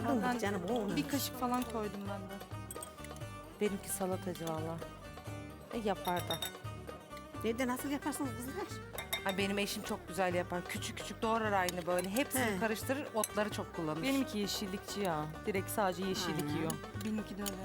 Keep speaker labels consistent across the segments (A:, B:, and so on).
A: Aldın mı canım o?
B: Bir kaşık falan koydum ben de.
C: Benimki salatacı valla. Yapar da.
A: Nerede nasıl yaparsınız kızlar?
C: Ay benim eşim çok güzel yapar. Küçük küçük doğrar aynı böyle. Hepsini
A: He.
C: karıştırır, otları çok kullanır.
D: Benimki yeşillikçi ya. Direkt sadece yeşillik yiyor.
B: Benimki de öyle.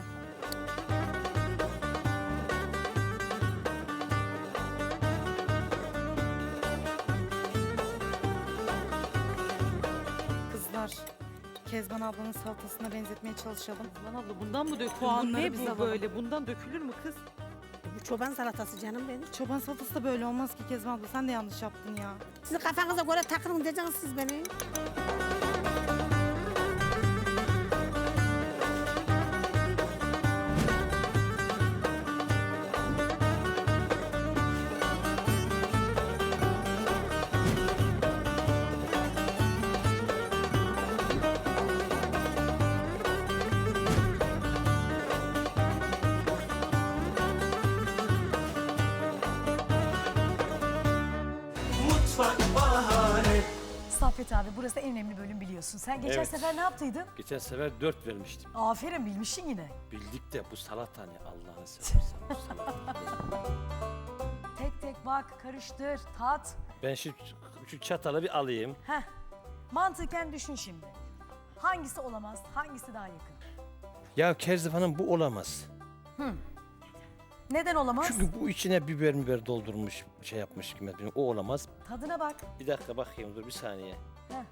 B: Kızlar, Kezban ablanın salatasına benzetmeye çalışalım.
D: Lan abla bundan mı dökülür?
B: Puanları
D: Ne
B: biz
D: bu
B: alalım.
D: böyle? Bundan dökülür mü kız?
A: Bu çoban salatası canım benim.
B: Çoban salatası da böyle olmaz ki Kezban abla. Sen de yanlış yaptın ya.
A: Sizin kafanıza göre takılın diyeceksiniz siz beni.
E: Saffet abi burası en önemli bölüm biliyorsun. Sen geçen
F: Evet.
E: sefer ne yaptıydın?
F: Geçen sefer 4 vermiştim.
E: Aferin bilmişsin yine.
F: Bildik de bu salata ne Allah'ını seversen bu salata.
E: Tek tek bak, karıştır, tat.
F: Ben şu çatalı bir alayım.
E: Heh. Mantıken düşün şimdi. Hangisi olamaz, hangisi daha yakın?
F: Ya Kerzif Hanım bu olamaz.
E: Neden olamaz?
F: Çünkü bu içine biber doldurmuş şey yapmış gibi. O olamaz.
E: Tadına bak.
F: Bir dakika bakayım dur bir saniye.
E: Heh.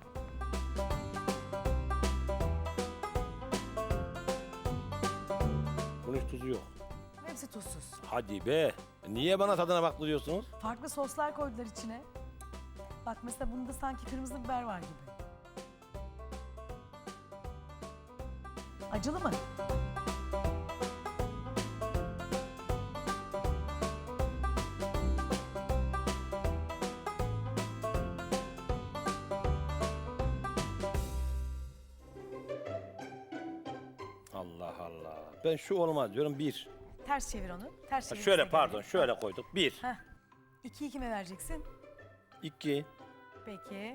F: Bunun hiç tuzu yok.
E: Hepsi tuzsuz.
F: Hadi be. Niye bana tadına bak diyorsunuz?
E: Farklı soslar koydular içine. Bak mesela bunda sanki kırmızı biber var gibi. Acılı mı?
F: Allah Allah. Ben şu olmaz diyorum bir.
E: Ters çevir onu. Ters çevir.
F: Şöyle pardon şöyle koyduk. Bir.
E: Heh. 2'yi kime vereceksin?
F: İki.
E: Peki.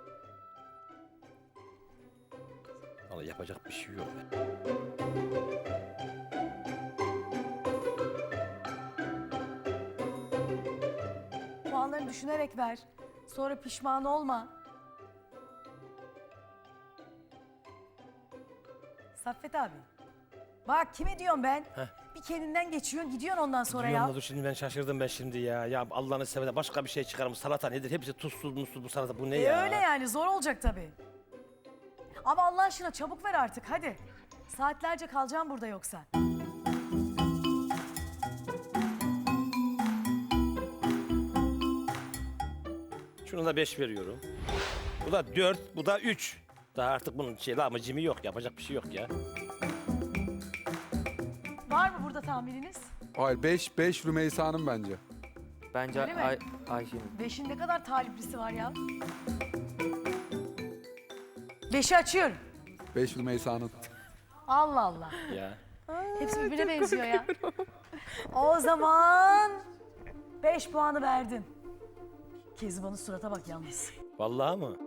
F: Vallahi yapacak bir şey yok.
E: Puanlarını düşünerek ver. Sonra pişman olma. Saffet abi. Bak kime diyorum ben?
F: Heh.
E: Bir kendinden geçiyorsun gidiyorsun ondan sonra
F: Diyorum
E: ya.
F: da dur şimdi ben şaşırdım ben şimdi ya. Ya Allah'ını seversen başka bir şey çıkarım. Salata nedir? Hepsi tuzsuz musuz bu salata. Bu ne ya?
E: Öyle yani zor olacak tabii. Ama Allah aşkına çabuk ver artık hadi. Saatlerce kalacağım burada yoksa.
F: Şunu da 5 veriyorum. Bu da 4, bu da 3. Daha artık bunun lamıcımı yok. Yapacak bir şey yok ya.
E: Var mı burada tahmininiz?
G: Hayır 5 Rümeysa'nın bence.
H: Bence
E: Öyle mi?
H: Ayşe'nin.
E: 5'in ne kadar taliplisi var ya? 5'i açıyorum.
G: 5 Rümeysa'nın.
E: Allah Allah.
F: Ya.
E: Hepsi birbirine benziyor ya. O zaman 5 puanı verdin. Kezban'ın surata bak yalnız.
F: Vallahi mı?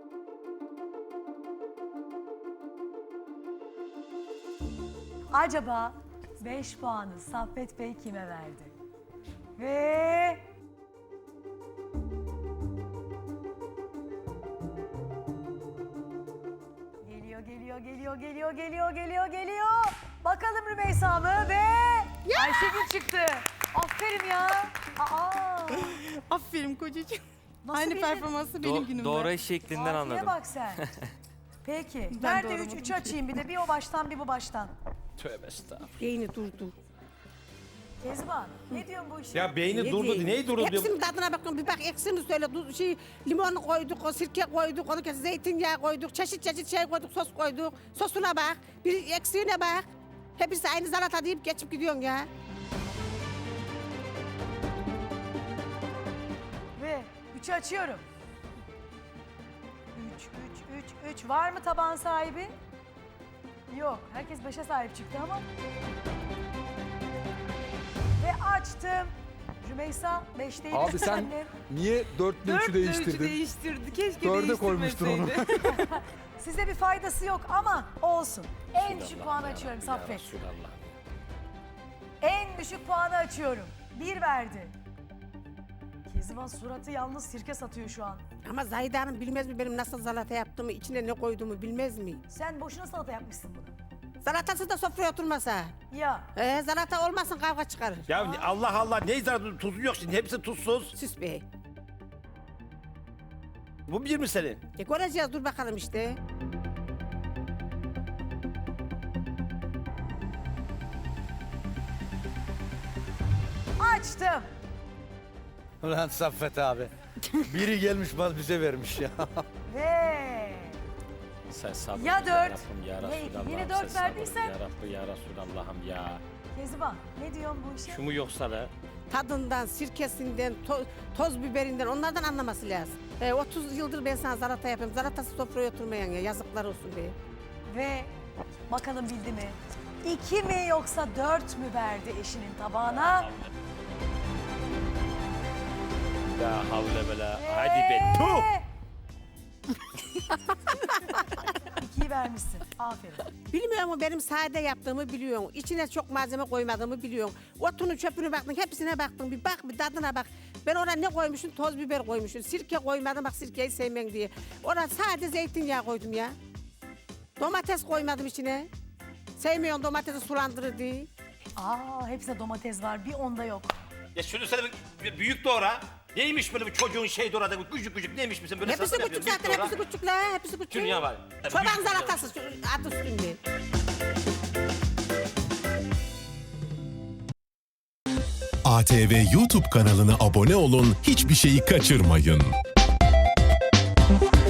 E: Acaba 5 puanı Saffet Bey kime verdi? Ve... Geliyor. Bakalım Rümeysa mı ve Ayşegül çıktı. Aferin ya. Aa,
B: Aferin kocacığım.
E: nasıl
B: Aynı
E: bildin?
B: performansı benim günümde.
H: Doğru şeklinden
E: Safiye
H: anladım.
E: bak sen. Peki.
B: Ben
E: Nerede
B: doğramadım
E: 3
B: ki.
E: açayım bir de bir o baştan bir bu baştan.
F: Tövbe estağfurullah.
A: Beyni durdu.
E: Kezban ne diyorsun bu işe?
F: Ya beyni durdu. Neyi durdu diyor?
A: Hepsinin tadına bakın bir bak eksini söyle. Limon koyduk, o sirke koyduk, onu kes, zeytinyağı koyduk, çeşit şey koyduk, sos koyduk. Sosuna bak, bir eksiğine bak. Hepsi aynı salata deyip geçip gidiyorsun ya.
E: Ve 3'ü açıyorum. 3. Var mı tabağın sahibi? Yok. Herkes 5'e sahip çıktı ama. Ve açtım. Rümeysa 5 değil.
G: Abi sen niye 4'le 3'ü değiştirdin?
B: değiştirdi. Keşke
G: 4'e koymuştun onu.
E: Size bir faydası yok ama olsun. En düşük
F: Resulallah
E: puanı
F: ya
E: açıyorum
F: Rabbi, ya
E: Saffet.
F: Resulallah.
E: En düşük puanı açıyorum. 1 verdi. Kezban suratı yalnız sirke satıyor şu an.
A: Ama Zahide Hanım bilmez mi benim nasıl salata yaptığımı, içine ne koyduğumu bilmez mi?
E: Sen boşuna salata yapmışsın bunu.
A: Salatası da sofraya oturmasa.
E: Ya
A: Salata olmasın kavga çıkarır.
F: Ya Allah Allah ne zararı tuzu yok şimdi hepsi tuzsuz.
A: Süs bey.
F: Bu bir mi senin?
A: Göreceğiz dur bakalım işte.
E: açtım.
I: Ulan Saffet abi. Biri gelmiş bana bize vermiş ya.
E: Ve
F: Sen sabır
E: Ya dört,
F: Rabbim, ya
E: ne iki?
F: Resulallah'ım,
E: Yine
F: sen
E: dört
F: sabır
E: verdiysen?
F: Ya Rabbi ya Resulallah'ım ya.
E: Kezban ne diyorsun bu işe?
F: Şu mu yoksa da?
A: Tadından, sirkesinden, toz biberinden onlardan anlaması lazım. 30 yıldır ben sana salata yapıyorum. Salatası sofraya oturmayan ya yazıklar olsun be.
E: Ve bakalım bildi mi? 2 mi yoksa 4 mü verdi eşinin tabağına?
F: La havle bela. Hadi be. Tuh!
E: 2'yi vermişsin. Aferin.
A: Bilmiyor mu benim sade yaptığımı biliyorsun. İçine çok malzeme koymadığımı biliyorsun. Otunu çöpünü baktın hepsine baktın. Bir bak bir tadına bak. Ben oraya ne koymuşum? Toz biber koymuşum. Sirke koymadım bak sirkeyi sevmem diye. Oraya sade zeytinyağı koydum ya. Domates koymadım içine. Sevmiyorsun domatesi sulandırır diye.
E: Hepsinde domates var. Bir onda yok.
F: Ya şunu sana bir büyük doğra. Neymiş böyle bir çocuğun şey doğradı küçük küçük neymiş misin böyle
A: Hepsi
F: salata
A: küçük
F: yapıyorsun,
A: zaten
F: büyük doğra.
A: hepsi küçük la. Hepsi küçük.
F: Şunu ya var.
A: Çoban
F: Büyük-
A: salatası adı üstünde.
J: ATV YouTube kanalına abone olun, hiçbir şeyi kaçırmayın.